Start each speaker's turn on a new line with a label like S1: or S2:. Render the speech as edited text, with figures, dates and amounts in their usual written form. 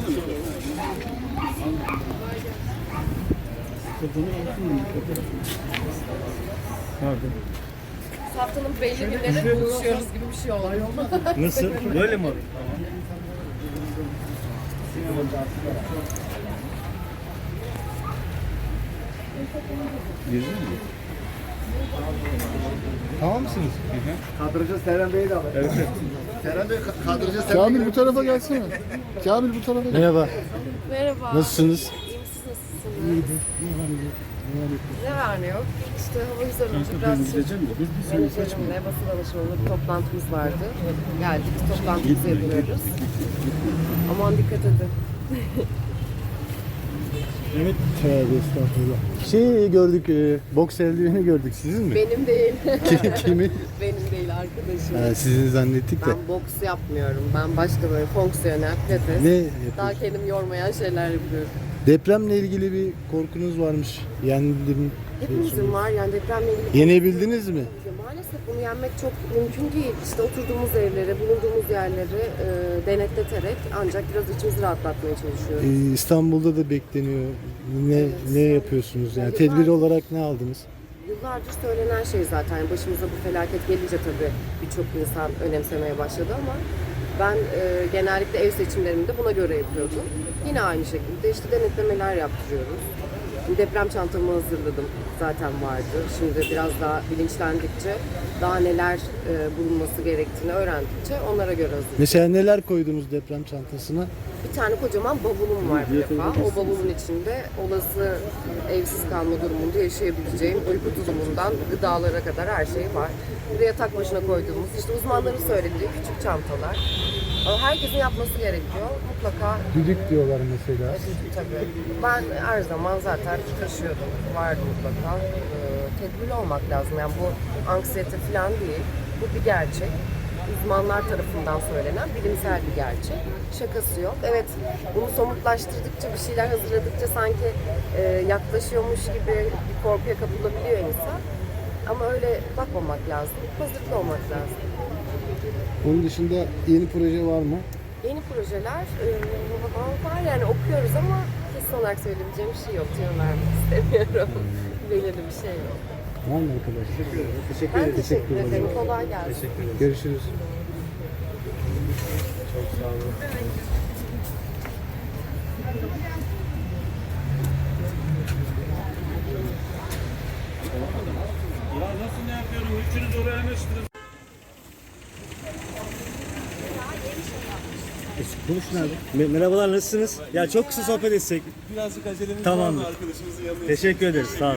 S1: Haftanın belli günleri buluşuyoruz gibi bir şey oldu.
S2: Nasıl? Böyle mi olur? Girdin mi? Tamam mısınız?
S3: Kadrajı Serhan Bey'i de alın.
S2: Evet.
S3: Serhan Bey kadrajı Serhan
S4: Kamil bu tarafa gelsene. Kamil bu tarafa gel.
S2: Merhaba.
S1: Merhaba.
S2: Nasılsınız?
S1: İyi misiniz, nasılsınız? Ne var ne yok? İşte hava güzel olunca biraz menajerimle basın danışmanlığı bir toplantımız vardı. Geldik, toplantımızı yapıyoruz. Aman dikkat edin.
S4: Evet. Tövbe estağfurullah.
S2: Şey gördük, boks eldiveni gördük. Sizin mi?
S1: Benim değil.
S2: Kimin?
S1: Benim değil, arkadaşım.
S2: Ha, sizin zannettik de.
S1: Ben boks yapmıyorum. Ben başka böyle fonksiyonel, pilates.
S2: Ne
S1: Daha
S2: yapıyorsunuz?
S1: kendimi yormayan şeyler yapıyorum.
S2: Depremle ilgili bir korkunuz varmış. Yendim.
S1: Hepimizin var yani depremle ilgili.
S2: Yenebildiniz mi?
S1: Maalesef bunu yenmek çok mümkün değil. İşte oturduğumuz evleri, bulunduğumuz yerleri denetleterek ancak biraz içimizi rahatlatmaya çalışıyoruz.
S2: İstanbul'da da bekleniyor. Ne yapıyorsunuz? Yani tedbir olarak ne aldınız?
S1: Yıllardır söylenen şey zaten. Başımıza bu felaket gelince tabii birçok insan önemsemeye başladı ama ben genellikle ev seçimlerimi de buna göre yapıyordum. Yine aynı şekilde işte denetlemeler yaptırıyoruz. Deprem çantamı hazırladım. Zaten vardı. Şimdi biraz daha bilinçlendikçe daha neler bulunması gerektiğini öğrendikçe onlara göre hazırladım.
S2: Mesela neler koydunuz deprem çantasına?
S1: Bir tane kocaman bavulum var bir defa. O bavulun içinde olası evsiz kalma durumunda yaşayabileceğim uyku tulumundan gıdalara kadar her şey var. Buraya tek başına koyduğumuz işte uzmanların söylediği küçük çantalar. Ama herkesin yapması gerekiyor. Mutlaka
S2: Düdük diyorlar mesela.
S1: tabii. Ben her zaman zaten taşıyordum. Vardı mutlaka. Tedbirli olmak lazım. Yani bu anksiyete falan değil. Bu bir gerçek. Uzmanlar tarafından söylenen bilimsel bir gerçek. Şakası yok. Evet, bunu somutlaştırdıkça, bir şeyler hazırladıkça sanki yaklaşıyormuş gibi bir korkuya kapılabiliyor insan. Ama öyle bakmamak lazım. Hazırlıklı olmak lazım.
S2: Onun dışında yeni proje var mı?
S1: Yeni projeler var yani okuyoruz ama kesin olarak söyleyebileceğim bir şey yok. Tüyo vermek istemiyorum. Belirli bir şey yok.
S2: Var mı arkadaşlar? Teşekkür
S1: Ben teşekkür ederim. Kolay gelsin.
S2: Görüşürüz. Çok sağ olun.
S5: Ya nasıl ne yapıyorum? Üçünüz oraya anlaştınız.
S2: Konuşun abi. Merhabalar, nasılsınız? Ya çok kısa sohbet etsek.
S5: Birazcık acelemiz
S2: Tamamdır.
S5: var mı arkadaşımızın yanına?
S2: Teşekkür ederiz. Sağ olun.